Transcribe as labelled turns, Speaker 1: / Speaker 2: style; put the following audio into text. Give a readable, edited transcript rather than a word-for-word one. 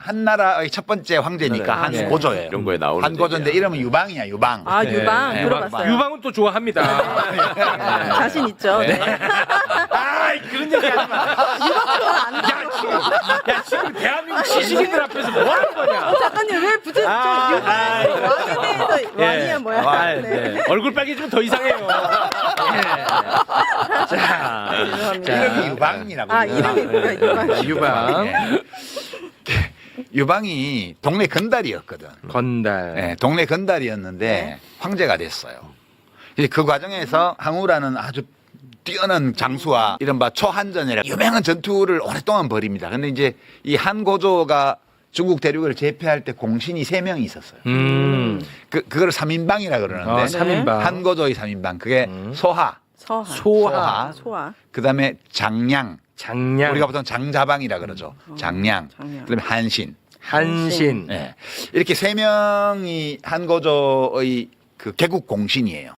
Speaker 1: 한나라의 첫 번째 황제니까
Speaker 2: 네.
Speaker 1: 한고조예요.
Speaker 3: 이런 거에 나오는
Speaker 1: 한고조인데 이름은 유방이야, 유방.
Speaker 4: 아 유방
Speaker 1: 네.
Speaker 4: 들어봤어요.
Speaker 2: 유방은 또 좋아합니다.
Speaker 4: 자신 있죠. 네.
Speaker 2: 아 그런 얘기 하지 마. 야 지금 대한민국 시식인들 앞에서 뭐 하는 거냐?
Speaker 4: 작가님 왜 부채 저 유방 왕에 대해서 왕이야 뭐야?
Speaker 2: 아,
Speaker 4: 네.
Speaker 2: 네. 얼굴 빨개지면 더 이상해요. 자,
Speaker 4: 죄송합니다.
Speaker 1: 이름이 유방이라고.
Speaker 4: 아 이름이 뭐야 유방?
Speaker 2: 유방,
Speaker 1: 네. 유방이 동네 건달이었거든.
Speaker 2: 건달.
Speaker 1: 네, 동네 건달이었는데 황제가 됐어요. 이제 그 과정에서 항우라는 아주 뛰어난 장수와 이른바 초한전이라 유명한 전투를 오랫동안 벌입니다. 근데 이제 이 한고조가 중국 대륙을 제패할 때 공신이 3명이 있었어요. 그걸 3인방이라 그러는데
Speaker 2: 3인방.
Speaker 1: 한고조의 3인방 그게 소하,
Speaker 4: 소하.
Speaker 1: 소하. 그다음에 장량,
Speaker 2: 장량.
Speaker 1: 우리가 보통 장자방이라 그러죠. 장량. 그다음에 한신.
Speaker 2: 한신.
Speaker 1: 네. 이렇게 3명이 한고조의 그 개국 공신이에요.